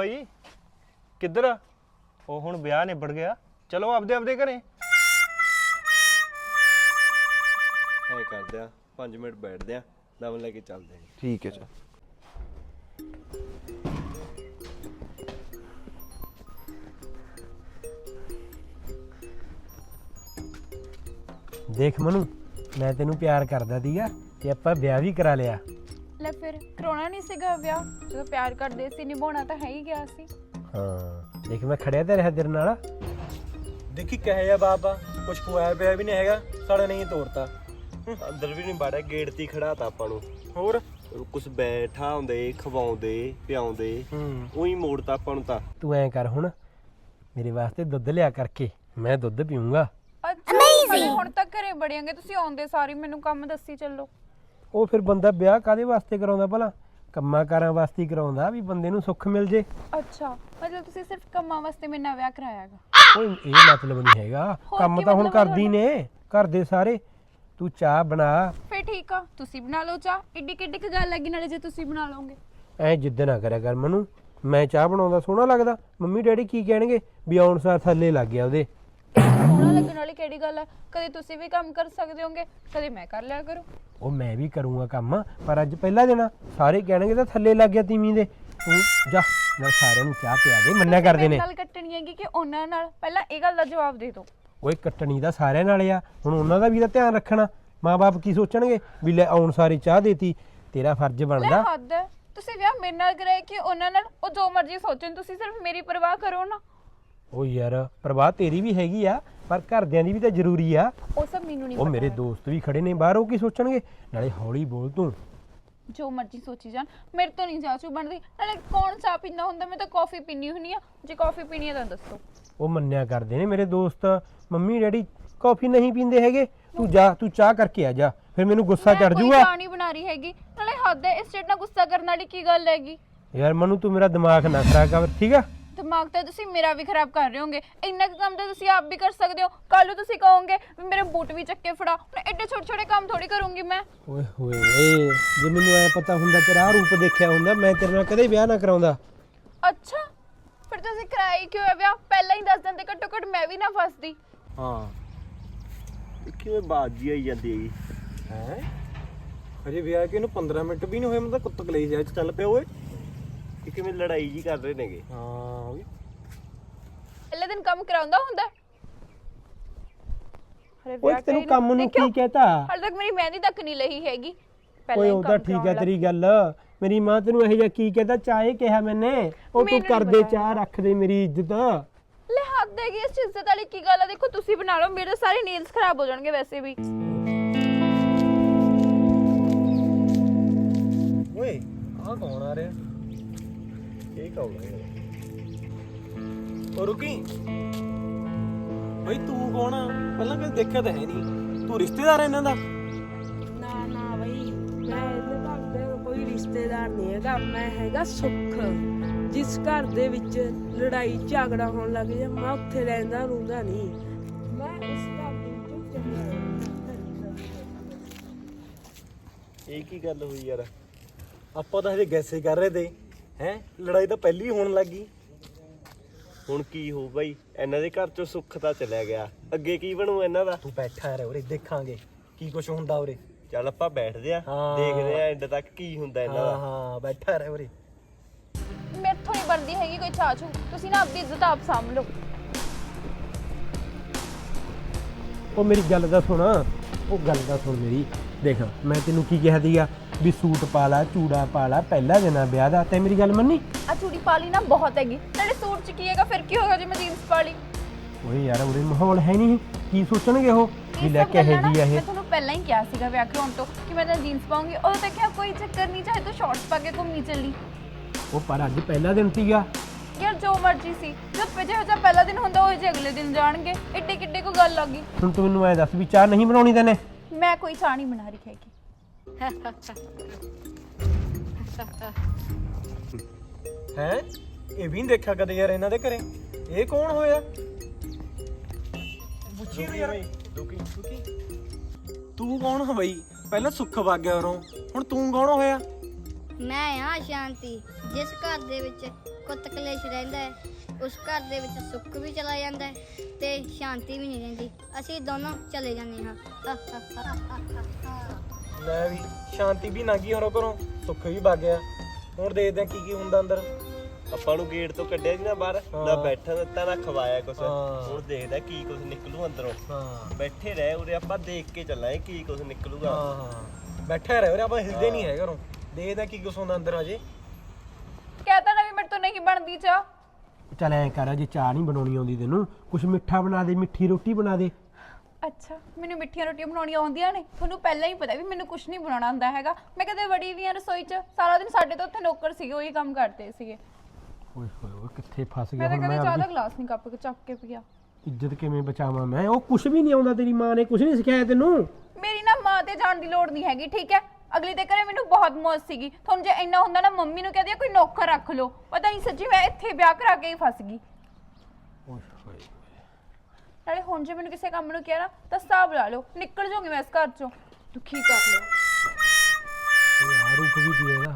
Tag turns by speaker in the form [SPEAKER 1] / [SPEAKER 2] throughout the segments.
[SPEAKER 1] ਭਾਈ ਕਿੱਧਰ ਆ? ਉਹ ਹੁਣ ਵਿਆਹ ਨਿਬੜ ਗਿਆ, ਚਲੋ ਆਪਦੇ ਆਪਦੇ ਘਰੇ।
[SPEAKER 2] ਐ ਕਰਦੇ ਆ 5 ਮਿੰਟ ਬੈਠਦੇ ਆ, ਦਮ ਲੈ ਕੇ ਚੱਲਦੇ ਆ।
[SPEAKER 3] ਠੀਕ ਹੈ ਜੀ।
[SPEAKER 4] ਦੇਖ ਮਨੂ, ਮੈਂ ਤੈਨੂੰ ਪਿਆਰ ਕਰਦਾ ਸੀਗਾ ਤੇ ਆਪਾਂ ਵਿਆਹ ਵੀ ਕਰਾ ਲਿਆ।
[SPEAKER 5] ਲੈ ਫਿਰ ਕਰਾਉਣਾ ਨਹੀਂ ਸੀਗਾ ਵਿਆਹ? ਜਦੋਂ ਪਿਆਰ ਕਰਦੇ ਸੀ ਨਿਭਾਉਣਾ ਤਾਂ ਹੈ ਹੀ ਗਿਆ ਸੀ।
[SPEAKER 4] ਹਾਂ ਦੇਖ ਮੈਂ ਖੜਿਆ ਤਾਂ ਰਿਹਾ ਤੇਰੇ ਨਾਲ।
[SPEAKER 1] ਦੇਖੀ ਕਹੇ ਜਾ ਬਾਬਾ, ਕੁਛ ਖਵਾਇਆ ਪਿਆ ਵੀ ਨਹੀਂ ਹੈਗਾ, ਸਾਡਾ ਨਹੀਂ ਤੋੜਤਾ।
[SPEAKER 2] ਅੰਦਰ ਵੀ ਨਹੀਂ ਬਾੜਿਆ, ਗੇਟ ਤੇ ਖੜਾਤਾ ਆਪਾਂ ਨੂੰ।
[SPEAKER 1] ਹੋਰ
[SPEAKER 2] ਕੁਛ ਬੈਠਾ ਹੁੰਦੇ, ਖਵਾਉਂਦੇ ਪਿਆਉਂਦੇ, ਉਹੀ ਮੋੜਤਾ ਆਪਾਂ ਨੂੰ। ਤਾਂ
[SPEAKER 4] ਤੂੰ ਐਂ ਕਰ, ਹੁਣ ਮੇਰੇ ਵਾਸਤੇ ਦੁੱਧ ਲਿਆ ਕਰਕੇ, ਮੈਂ ਦੁੱਧ ਪੀਊਂਗਾ।
[SPEAKER 5] ਅੱਛਾ ਹੁਣ ਤੱਕ ਘਰੇ ਬੜਿਆਂਗੇ, ਤੁਸੀਂ ਆਉਂਦੇ ਸਾਰੀ ਮੈਨੂੰ ਕੰਮ ਦੱਸੀ ਚੱਲੋ।
[SPEAKER 4] ਉਹ ਫਿਰ ਬੰਦਾ ਵਿਆਹ ਕਾਦੇ ਵਾਸਤੇ ਕਰਾਉਂਦਾ ਭਲਾ? ਕੰਮਾਂ ਕਾਰਾਂ ਵਾਸਤੇ ਕਰਾਉਂਦਾ ਵੀ ਬੰਦੇ ਨੂੰ ਸੁੱਖ ਮਿਲ ਜੇ।
[SPEAKER 5] ਅੱਛਾ ਮਤਲਬ ਤੁਸੀਂ ਸਿਰਫ ਕੰਮਾਂ ਵਾਸਤੇ ਮੇਰੇ ਨਾਲ ਵਿਆਹ ਕਰਾਇਆਗਾ?
[SPEAKER 4] ਓਏ ਇਹ ਮਤਲਬ ਨਹੀਂ ਹੈਗਾ, ਕੰਮ ਤਾਂ ਹੁਣ ਕਰਦੀ ਨੇ ਘਰ ਦੇ ਸਾਰੇ। ਤੂੰ ਚਾਹ ਬਣਾ।
[SPEAKER 5] ਫੇਰ ਠੀਕ ਆ, ਤੁਸੀਂ ਬਣਾ ਲਓ ਚਾਹ। ਏਡੀ ਕਿੱਡੀ ਕੁ ਗੱਲ ਲੱਗੀ, ਨਾਲੇ ਜੇ ਤੁਸੀਂ ਬਣਾ ਲਓਗੇ।
[SPEAKER 4] ਐ ਜਿੱਦ ਨਾ ਕਰਿਆ ਕਰ ਮਨੂੰ, ਮੈਂ ਚਾਹ ਬਣਾਉਂਦਾ ਸੋਹਣਾ ਲੱਗਦਾ? ਮੰਮੀ ਡੈਡੀ ਕੀ ਕਹਿਣਗੇ ਵੀ ਆਉਣ ਸਾਰ ਥੱਲੇ ਲੱਗ ਗਿਆ ਉਹਦੇ।
[SPEAKER 5] ਸੋਹਣਾ ਲੱਗਣ ਵਾਲੀ ਕਿਹੜੀ ਗੱਲ ਹੈ? ਕਦੇ ਤੁਸੀਂ ਵੀ ਕੰਮ ਕਰ ਸਕਦੇ ਹੋਗੇ, ਕਦੇ ਮੈਂ ਕਰ ਲਿਆ ਕਰੂੰ।
[SPEAKER 4] ਉਹ ਮੈਂ ਵੀ ਕਰੂੰਗਾ ਕੰਮ, ਪਰ ਅੱਜ ਪਹਿਲਾ ਦਿਨ ਆ, ਸਾਰੇ ਕਹਿਣਗੇ ਤਾਂ ਥੱਲੇ ਲੱਗ ਗਿਆ ਤੀਵੀਂ ਦੇ। ਤੂੰ ਜਾ, ਮੈਂ ਸਾਰਿਆਂ ਨੂੰ ਚਾਹ ਪਿਆ ਦੇ, ਮੰਨਿਆ ਕਰਦੇ ਨੇ।
[SPEAKER 5] ਗੱਲ ਕੱਟਣੀ ਹੈਗੀ ਕਿ ਉਹਨਾਂ ਨਾਲ? ਪਹਿਲਾਂ ਇਹ ਗੱਲ ਦਾ ਜਵਾਬ ਦੇ ਦਿਓ।
[SPEAKER 4] ਓਏ ਕੱਟਣੀ ਦਾ ਸਾਰਿਆਂ ਨਾਲ ਆ, ਹੁਣ ਉਹਨਾਂ ਦਾ ਵੀ ਤਾਂ ਧਿਆਨ ਰੱਖਣਾ। ਮਾਂ-ਬਾਪ ਕੀ ਸੋਚਣਗੇ ਵੀ ਲੈ ਆਉਣ ਸਾਰੀ ਚਾਹ ਦੇਤੀ? ਤੇਰਾ ਫਰਜ਼ ਬਣਦਾ।
[SPEAKER 5] ਹੱਦ ਹੈ, ਤੁਸੀਂ ਵਿਆਹ ਮੇਰੇ ਨਾਲ ਕਰਾਇਆ ਕਿ ਉਹਨਾਂ ਨਾਲ? ਉਹ ਜੋ ਮਰਜ਼ੀ ਸੋਚਣ, ਤੁਸੀਂ ਸਿਰਫ ਮੇਰੀ ਪਰਵਾਹ ਕਰੋ ਨਾ।
[SPEAKER 4] ਓ ਯਾਰ ਪਰਵਾਹ ਤੇਰੀ ਵੀ ਹੈਗੀ ਆ, ਪਰ ਘਰਦਿਆਂ ਦੀ ਵੀ ਤਾਂ ਜ਼ਰੂਰੀ ਆ।
[SPEAKER 5] ਉਹ ਸਭ ਮੈਨੂੰ ਨਹੀਂ
[SPEAKER 4] ਉਹ
[SPEAKER 5] ਪਤਾ।
[SPEAKER 4] ਮੇਰੇ ਦੋਸਤ ਵੀ ਖੜੇ ਨੇ ਬਾਹਰ, ਉਹ ਕੀ ਸੋਚਣਗੇ? ਨਾਲੇ ਹੌਲੀ ਬੋਲ ਤੂੰ।
[SPEAKER 5] ਜੋ ਮਰਜ਼ੀ ਸੋਚੀ ਜਾਣ, ਮੇਰੇ ਤੋਂ ਨਹੀਂ ਚਾਚੂ ਬਣਦੀ। ਨਾਲੇ ਕੌਣ ਚਾਹ ਪੀਂਦਾ ਹੁੰਦਾ? ਮੈਂ ਤਾਂ ਕਾਫੀ ਪੀਣੀ ਹੁੰਨੀ ਆ। ਜੇ ਕਾਫੀ ਪੀਣੀ ਹੈ ਤਾਂ ਦੱਸੋ।
[SPEAKER 4] ਉਹ ਮੰਨਿਆ ਕਰਦੇ ਨੇ ਮੇਰੇ ਦੋਸਤ, ਮੰਮੀ ਡੈਡੀ ਕਾਫੀ ਨਹੀਂ ਪੀਂਦੇ ਹੈਗੇ। ਤੂੰ ਜਾ, ਤੂੰ ਚਾਹ ਕਰਕੇ ਆ ਜਾ, ਫਿਰ ਮੈਨੂੰ ਗੁੱਸਾ ਚੜ ਜਾਊਗਾ।
[SPEAKER 5] ਮੈਂ ਚਾਹ ਨਹੀਂ ਬਣਾ ਰਹੀ ਹੈਗੀ। ਨਾਲੇ ਹੱਦ ਹੈ, ਇਸ ਚੀਜ਼ ਨਾਲ ਗੁੱਸਾ ਕਰਨ ਵਾਲੀ ਕੀ ਗੱਲ ਹੈਗੀ?
[SPEAKER 4] ਯਾਰ ਮਨੂੰ ਤੂੰ ਮੇਰਾ ਦਿਮਾਗ ਨਾ ਖਰਾਬ ਕਰ, ਠੀਕ ਆ?
[SPEAKER 5] ਦਿਮਾਗ ਤਾਂ ਤੁਸੀਂ ਮੇਰਾ ਵੀ ਖਰਾਬ ਕਰ ਰਹੇ ਹੋਗੇ। ਇੰਨਾ ਕੁ ਕੰਮ ਤਾਂ ਤੁਸੀਂ ਆਪ ਵੀ ਕਰ ਸਕਦੇ ਹੋ। ਕੱਲ ਨੂੰ ਤੁਸੀਂ ਕਹੋਗੇ ਵੀ ਮੇਰੇ ਬੂਟ ਵੀ ਚੱਕੇ ਫੜਾ। ਹੁਣ ਐਡੇ ਛੋਟੇ ਛੋਟੇ ਕੰਮ ਥੋੜੀ ਕਰੂੰਗੀ ਮੈਂ।
[SPEAKER 4] ਓਏ ਹੋਏ ਓਏ, ਜੇ ਮੈਨੂੰ ਐ ਪਤਾ ਹੁੰਦਾ, ਤੇਰਾ ਆਹ ਰੂਪ ਦੇਖਿਆ ਹੁੰਦਾ, ਮੈਂ ਤੇਰੇ ਨਾਲ ਕਦੇ ਵਿਆਹ ਨਾ ਕਰਾਉਂਦਾ।
[SPEAKER 5] ਅੱਛਾ ਫਿਰ ਤੁਸੀਂ ਕਰਾਇਆ ਕਿਉਂ ਹੈ ਵਿਆਹ? ਪਹਿਲਾਂ ਹੀ ਦੱਸ ਦਿੰਦੇ, ਘੱਟੋ ਘੱਟ ਮੈਂ ਵੀ ਨਾ ਫਸਦੀ।
[SPEAKER 2] ਹਾਂ ਕਿਵੇਂ ਬਾਜੀ ਆਈ ਜਾਂਦੀ ਹੈਗੀ
[SPEAKER 1] ਹੈ ਅਜੇ ਵਿਆਹ ਕੇ ਇਹਨੂੰ 15 ਮਿੰਟ ਵੀ ਨਹੀਂ ਹੋਏ, ਮੈਂ ਤਾਂ ਕੁੱਤ ਕਲੇਸ਼ ਆ ਚੱਲ ਪਿਆ ਓਏ।
[SPEAKER 2] ਕਿ ਕਿਵੇਂ ਲੜਾਈ ਜੀ ਕਰ ਰਹੇ ਨੇਗੇ।
[SPEAKER 1] ਹਾਂ ਓਏ
[SPEAKER 5] ਪਹਿਲੇ ਦਿਨ ਕੰਮ ਕਰਾਉਂਦਾ ਹੁੰਦਾ। ਅਰੇ
[SPEAKER 4] ਓਏ ਤੈਨੂੰ ਕੰਮ ਨੂੰ ਕੀ ਕਹਤਾ?
[SPEAKER 5] ਹਾਲੇ ਤੱਕ ਮੇਰੀ ਮਹਿੰਦੀ ਤੱਕ ਨਹੀਂ ਲਈ ਹੈਗੀ।
[SPEAKER 4] ਓਏ ਉਹ ਤਾਂ ਠੀਕ ਹੈ ਤੇਰੀ ਗੱਲ, ਮੇਰੀ ਮਾਂ ਤੈਨੂੰ ਇਹੋ ਜਿਹਾ ਕੀ ਕਹਤਾ? ਚਾਹੇ ਕਿਹਾ ਮੈਨੇ, ਉਹ ਤੂੰ ਕਰਦੇ ਚਾਹ ਰੱਖ ਦੇ ਮੇਰੀ ਇੱਜ਼ਤ।
[SPEAKER 5] ਲੈ ਹੱਦ ਹੈਗੀ, ਇਸ ਇੱਜ਼ਤ ਵਾਲੀ ਕੀ ਗੱਲ ਆ? ਦੇਖੋ ਤੁਸੀਂ ਬਣਾ ਲਓ, ਮੇਰੇ ਸਾਰੇ ਨੇਲਸ ਖਰਾਬ ਹੋ ਜਾਣਗੇ ਵੈਸੇ ਵੀ।
[SPEAKER 1] ਓਏ ਆਹ ਕੌਣ ਆ ਰਿਹਾ?
[SPEAKER 2] ਇਹ ਕੌਣ ਹੈ?
[SPEAKER 1] ਓ ਰੁਕੀ ਬਈ, ਤੂੰ ਕੌਣ ਆ? ਪਹਿਲਾਂ ਕਦੇ ਦੇਖਿਆ ਤਾਂ ਹੈ ਨਹੀਂ। ਤੂੰ ਰਿਸ਼ਤੇਦਾਰ ਇਹਨਾਂ ਦਾ?
[SPEAKER 6] ਨਾ ਨਾ ਬਈ, ਮੈਂ ਇਹਦੇ ਘਰ ਦੇ ਕੋਈ ਰਿਸ਼ਤੇਦਾਰ ਨਹੀਂ ਹੈਗਾ। ਮੈਂ ਹੈਗਾ ਸੁੱਖ। ਜਿਸ ਘਰ ਦੇ ਵਿੱਚ ਲੜਾਈ ਝਗੜਾ ਹੋਣ ਲੱਗ ਜਾ, ਮੈਂ ਉੱਥੇ ਰਹਿੰਦਾ ਰੂੰਦਾ ਨਹੀਂ। ਮੈਂ ਇਸ ਘਰ ਦੇ ਵਿੱਚ ਚੱਲਿਆ।
[SPEAKER 2] ਇਹ ਕੀ ਗੱਲ ਹੋਈ ਯਾਰ?
[SPEAKER 1] ਆਪਾਂ ਤਾਂ ਹਜੇ ਗੈਸੇ ਕਰ ਰਹੇ ਤੇ ਹੈ, ਲੜਾਈ ਤਾਂ ਪਹਿਲੀ ਹੋਣ ਲੱਗੀ।
[SPEAKER 2] ਹੁਣ ਕੀ ਹੋ ਬਾਈ? ਇਹਨਾਂ ਦੇ ਘਰ ਚੋਂ ਸੁੱਖ ਤਾਂ ਚਲਿਆ ਗਿਆ, ਅੱਗੇ ਕੀ ਬਣੂ ਇਹਨਾਂ ਦਾ?
[SPEAKER 1] ਤੂੰ ਬੈਠਾ ਰਹਿ ਉਰੇ, ਦੇਖਾਂਗੇ ਕੀ ਕੁਛ ਹੁੰਦਾ ਉਰੇ।
[SPEAKER 2] ਚੱਲ ਆਪਾਂ ਬੈਠਦੇ ਆ,
[SPEAKER 1] ਹਾਂ।
[SPEAKER 2] ਦੇਖਦੇ ਆ ਐਂਡ ਤੱਕ ਕੀ ਹੁੰਦਾ ਇਹਨਾਂ ਦਾ।
[SPEAKER 1] ਹਾਂ ਬੈਠਾ ਰਹਿ ਉਰੇ।
[SPEAKER 5] ਮੈਥੋਂ ਨਹੀਂ ਬਣਦੀ ਹੈਗੀ ਕੋਈ ਚਾਚੂ, ਤੁਸੀਂ ਨਾ ਆਪਣੀ ਇੱਜ਼ਤ ਆਪ ਸਾਂਭ ਲਓ।
[SPEAKER 4] ਉਹ ਮੇਰੀ ਗੱਲ ਦਾ ਸੁਣ, ਉਹ ਗੱਲ ਦਾ ਸੁਣ ਮੇਰੀ। ਦੇਖ ਮੈਂ ਤੈਨੂੰ ਕੀ ਕਿਹਾ ਸੀਗਾ ਵੀ ਸੂਟ ਪਾ ਲਾ, ਚੂੜਾ ਪਾ ਲਾ, ਪਹਿਲਾ ਦਿਨ ਆ ਵਿਆਹ ਦਾ, ਤੇ ਮੇਰੀ ਗੱਲ ਮੰਨੀ?
[SPEAKER 5] ਆ ਚੂੜੀ ਪਾ ਲਈ ਨਾ ਬਹੁਤ ਹੈਗੀ, ਨਾਲੇ ਸੂਟ ਚ ਕੀ ਹੈਗਾ? ਫਿਰ ਕੀ ਹੋਗਾ ਜੇ ਮੈਂ ਜੀਨਸ ਪਾ ਲਈ?
[SPEAKER 4] ਓਏ ਯਾਰ ਉਰੇ ਮਾਹੌਲ ਹੈ ਨਹੀਂ, ਕੀ ਸੋਚਣਗੇ ਉਹ ਵੀ ਲੈ ਕੇ ਇਹ ਜੀ ਆ ਇਹ?
[SPEAKER 5] ਮੈਂ ਤੁਹਾਨੂੰ ਪਹਿਲਾਂ ਹੀ ਕਿਹਾ ਸੀਗਾ ਵਿਆਹ ਕਰਾਉਣ ਤੋਂ ਕਿ ਮੈਂ ਤਾਂ ਜੀਨਸ ਪਾਉਂਗੀ। ਉਦੋਂ ਤਾਂ ਕਿਹਾ ਕੋਈ ਚੱਕਰ ਨਹੀਂ, ਚਾਹੇ ਤੂੰ ਸ਼ਾਰਟਸ ਪਾ ਕੇ ਘੁੰਮੀ ਚੱਲੀ।
[SPEAKER 4] ਉਹ ਪਰ ਅੱਜ ਪਹਿਲਾ ਦਿਨ ਸੀਗਾ
[SPEAKER 5] ਯਾਰ ਜੋ ਮਰਜ਼ੀ ਸੀ, ਜਦ ਜਿਹੋ ਜਿਹਾ ਪਹਿਲਾ ਦਿਨ ਹੁੰਦਾ ਉਹ ਜੇ ਅਗਲੇ ਦਿਨ ਜਾਣਗੇ। ਏਡੇ ਕਿੱਡੇ ਕੋ ਗੱਲ ਆ ਗਈ।
[SPEAKER 4] ਹੁਣ ਤੂੰ ਮੈਨੂੰ ਐ ਦੱਸ ਵੀ ਚਾਹ ਨਹੀਂ ਬਣਾਉਣੀ ਤੈਨੇ?
[SPEAKER 5] ਮੈਂ ਕੋਈ ਚਾਹ ਨਹੀਂ ਬਣਾ ਰਹੀ ਹੈਗੀ।
[SPEAKER 1] ਹੈ ਇਹ ਵੀ ਨਹੀਂ ਦੇਖਿਆ ਕਦੇ ਯਾਰ ਇਹਨਾਂ ਦੇ ਘਰੇ। ਇਹ ਕੌਣ ਹੋਇਆ? ਪੁੱਛੀ ਯਾਰ। ਤੂੰ ਕੌਣ ਹੋ ਬਈ? ਪਹਿਲਾਂ ਸੁੱਖ ਵਗ ਗਿਆ ਉਰੋਂ, ਹੁਣ ਤੂੰ ਕੌਣ ਹੋਇਆ?
[SPEAKER 3] ਮੈਂ ਆ ਸ਼ਾਂਤੀ। ਜਿਸ ਘਰ ਦੇ ਵਿੱਚ ਕੁੱਤ ਕਲੇਸ਼ ਰਹਿੰਦਾ ਹੈ ਉਸ ਘਰ ਦੇ ਵਿੱਚ ਸੁੱਖ ਵੀ ਚਲਾ ਜਾਂਦਾ ਹੈ ਤੇ ਸ਼ਾਂਤੀ ਵੀ ਨਹੀਂ ਰਹਿੰਦੀ। ਅਸੀਂ ਦੋਨੋਂ ਚਲੇ ਜਾਂਦੇ ਹਾਂ।
[SPEAKER 1] ਲੈ ਵੀ ਸ਼ਾਂਤੀ ਵੀ ਨਾਗੀ ਹੋਰੋਂ ਘਰੋਂ, ਸੁੱਖ ਵੀ ਵਗ ਗਿਆ। ਹੁਣ ਦੇਖਦੇ ਆ ਕੀ ਕੀ ਹੁੰਦਾ ਅੰਦਰ।
[SPEAKER 2] ਆਪਾਂ ਨੂੰ ਗੇਟ ਤੋਂ ਕੱਢਿਆ ਸੀ ਨਾ ਬਾਹਰ, ਨਾ ਬੈਠਣ ਦਿੱਤਾ ਨਾ ਖਵਾਇਆ ਕੁਛ।
[SPEAKER 1] ਹਾਂ।
[SPEAKER 2] ਹੁਣ ਦੇਖਦਾ ਕੀ ਕੁਛ ਨਿਕਲੂ ਅੰਦਰੋਂ।
[SPEAKER 1] ਹਾਂ
[SPEAKER 2] ਬੈਠੇ ਰਹਿ ਉਰੇ, ਆਪਾਂ ਦੇਖ ਕੇ ਚੱਲਾਂਗੇ ਕੀ ਕੁਛ ਨਿਕਲੂਗਾ।
[SPEAKER 1] ਹਾਂ ਬੈਠਾ ਰਹਿ ਉਰੇ, ਆਪਾਂ ਹਿਲਦੇ ਨਹੀਂ ਹੈ ਘਰੋਂ। ਦੇਖਦੇ ਆ ਕੀ ਕੁਛ ਹੁੰਦਾ ਅੰਦਰ ਅਜੇ।
[SPEAKER 5] ਕਹਤਾ ਨਾ ਵੀ ਮੇਰੇ ਤੋਂ ਨਹੀਂ ਬਣਦੀ ਚਾਹ।
[SPEAKER 4] ਚੱਲ ਐਂ ਕਰ, ਜੇ ਚਾਹ ਨਹੀਂ ਬਣਾਉਣੀ ਆਉਂਦੀ ਤੈਨੂੰ, ਕੁਛ ਮਿੱਠਾ ਬਣਾ ਦੇ, ਮਿੱਠੀ ਰੋਟੀ ਬਣਾ ਦੇ।
[SPEAKER 5] ਅੱਛਾ, ਮੈਨੂੰ ਮਿੱਠੀਆਂ ਰੋਟੀਆਂ ਬਣਾਉਣੀਆਂ ਆਉਂਦੀਆਂ ਨੇ? ਤੁਹਾਨੂੰ ਪਹਿਲਾਂ ਹੀ ਪਤਾ ਵੀ ਮੈਨੂੰ ਕੁਝ ਨਹੀਂ ਬਣਾਉਣਾ ਆਉਂਦਾ ਹੈਗਾ। ਮੈਂ ਕਦੇ ਵੜੀ ਵੀ ਆ ਰਸੋਈ 'ਚ, ਸਾਰਾ ਦਿਨ ਸਾਡੇ ਤੋਂ ਉੱਥੇ ਨੌਕਰ ਸੀਗੇ, ਉਹੀ ਕੰਮ ਕਰਦੇ ਸੀਗੇ।
[SPEAKER 4] ਓਏ ਹੋਏ ਓਏ, ਕਿੱਥੇ ਫਸ ਗਿਆ
[SPEAKER 5] ਮੈਂ ਤਾਂ
[SPEAKER 4] ਹੁਣ
[SPEAKER 5] ਕਦੇ
[SPEAKER 4] ਮੈਂ।
[SPEAKER 5] ਚਾਹ ਦਾ
[SPEAKER 4] ਆਪਣੀ
[SPEAKER 5] ਗਲਾਸ ਨਹੀਂ ਕੱਪ ਕੇ ਚੱਕ ਕੇ ਪੀਆ।
[SPEAKER 4] ਇੱਜ਼ਤ ਕਿਵੇਂ ਬਚਾਵਾਂ ਮੈਂ? ਉਹ ਕੁਛ ਵੀ ਨਹੀਂ ਆਉਂਦਾ, ਤੇਰੀ ਮਾਂ ਨੇ ਕੁਛ ਨਹੀਂ ਸਿਖਾਇਆ ਤੈਨੂੰ?
[SPEAKER 5] ਮੇਰੀ ਨਾ ਮਾਂ ਤੇ ਜਾਣ ਦੀ ਲੋੜ ਨਹੀਂ ਹੈਗੀ, ਠੀਕ ਹੈ? ਅਗਲੀ ਦੇ ਘਰੇ ਮੈਨੂੰ ਬਹੁਤ ਮੌਜ ਸੀਗੀ। ਤੁਹਾਨੂੰ ਜੇ ਇੰਨਾ ਹੁੰਦਾ ਨਾ ਮੰਮੀ ਨੂੰ ਕਹਦੇ ਕੋਈ ਨੌਕਰ ਰੱਖ ਲਓ। ਪਤਾ ਨਹੀਂ ਸੱਚੀ ਮੈਂ ਇੱਥੇ ਵਿਆਹ ਕਰਾ ਕੇ ਹੀ ਫਸ ਗਈ।
[SPEAKER 4] ਓਏ ਹੋਏ
[SPEAKER 5] ਨਾਲੇ ਹੁਣ ਜੇ ਮੈਨੂੰ ਕਿਸੇ ਕੰਮ ਨੂੰ ਕਿਹਾ ਨਾ ਤਾਂ ਹਿਸਾਬ ਲਾ ਲਓ, ਨਿਕਲ ਜਾਓਗੇ ਮੈਂ ਇਸ ਘਰ ਚੋਂ। ਦੁਖੀ ਕਰ ਲਿਓ।
[SPEAKER 4] ਓਏ ਆ ਰੁਕ ਵੀ ਪੀਏਗਾ।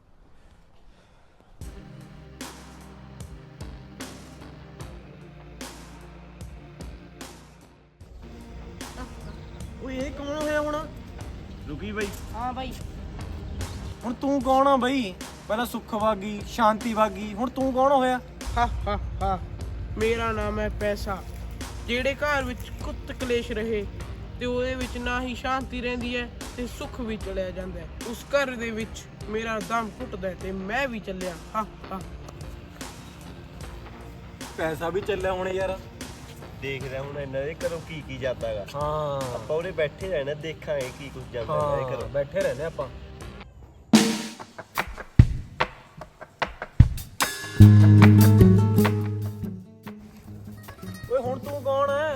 [SPEAKER 1] ਓਏ ਇਹ ਕੌਣ ਹੋਇਆ ਹੁਣ?
[SPEAKER 2] ਰੁਕੀ ਬਾਈ।
[SPEAKER 6] ਹਾਂ ਬਾਈ,
[SPEAKER 1] ਹੁਣ ਤੂੰ ਕੌਣ ਆ ਬਈ? ਪਹਿਲਾਂ ਸੁੱਖ ਵਾਗੀ, ਸ਼ਾਂਤੀ ਵਾਗੀ, ਹੁਣ ਤੂੰ ਕੌਣ ਹੋਇਆ?
[SPEAKER 6] ਹਾ ਮੇਰਾ ਨਾਮ ਹੈ ਪੈਸਾ। ਜਿਹੜੇ ਘਰ ਵਿੱਚ ਕੁੱਤ ਕਲੇਸ਼ ਰਹੇ ਤੇ ਉਹਦੇ ਵਿੱਚ ਨਾ ਹੀ ਸ਼ਾਂਤੀ ਰਹਿੰਦੀ ਹੈ ਤੇ ਸੁੱਖ ਵੀ ਚਲਿਆ ਜਾਂਦਾ ਹੈ। ਉਸ ਘਰ ਦੇ ਵਿੱਚ ਮੇਰਾ ਦਮ ਘੁੱਟਦਾ ਹੈ ਤੇ ਮੈਂ ਵੀ ਚੱਲਿਆ। ਹਾ
[SPEAKER 1] ਪੈਸਾ ਵੀ ਚੱਲਿਆ ਹੁਣ ਯਾਰ।
[SPEAKER 2] ਦੇਖਦਾ ਹੁਣ ਇਹਨਾਂ ਦੇ ਘਰੋਂ ਕੀ ਕੀ ਜਾਂਦਾਗਾ।
[SPEAKER 1] ਹਾਂ
[SPEAKER 2] ਆਪਾਂ ਉਰੇ ਬੈਠੇ ਰਹਿਣਾ, ਦੇਖਾਂਗੇ ਕੀ ਕੁਛ ਜਾਂਦਾ ਇਹਨਾਂ ਦੇ
[SPEAKER 1] ਹਾਂ
[SPEAKER 2] ਘਰੋਂ।
[SPEAKER 1] ਬੈਠੇ ਰਹਿੰਦੇ ਆਪਾਂ। ਓਏ ਹੁਣ ਤੂੰ ਕੌਣ ਹੈ?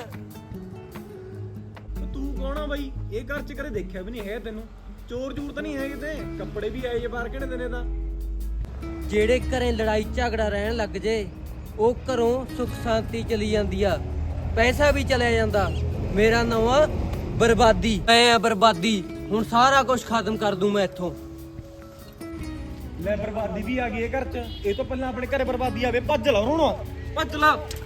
[SPEAKER 1] ਤੂੰ ਕੌਣ ਆ ਬਾਈ? ਇਹ ਘਰ ਚ ਕਦੇ ਦੇਖਿਆ ਵੀ ਨਹੀਂ ਹੈ ਤੈਨੂੰ। ਚੋਰ ਚੂਰ ਤਾਂ ਨਹੀਂ ਹੈ ਕਿਤੇ? ਕੱਪੜੇ ਵੀ ਆਏ ਜੇ ਬਾਹਰ ਕਿਹੜੇ ਦਿਨੇ ਦਾ।
[SPEAKER 7] ਜਿਹੜੇ ਘਰੇ ਲੜਾਈ ਝਗੜਾ ਰਹਿਣ ਲੱਗ ਜੇ ਉਹ ਘਰੋਂ ਸੁੱਖ ਸ਼ਾਂਤੀ ਚਲੀ ਜਾਂਦੀ ਆ, ਪੈਸਾ ਵੀ ਚਲਿਆ ਜਾਂਦਾ। ਮੇਰਾ ਨਾਮ ਆ ਬਰਬਾਦੀ। ਮੈਂ ਆ ਬਰਬਾਦੀ। ਹੁਣ ਸਾਰਾ ਕੁਝ ਖਤਮ ਕਰ ਦੂੰ ਮੈਂ ਇੱਥੋਂ।
[SPEAKER 1] ਲੈ ਬਰਬਾਦੀ ਵੀ ਆ ਗਈ ਇਹ ਘਰ ਚ। ਇਹ ਤੋਂ ਪਹਿਲਾਂ ਆਪਣੇ ਘਰੇ ਬਰਬਾਦੀ ਆਵੇ। ਭੱਜ ਲਾ ਹੁਣ, ਭੱਜ ਲਾ।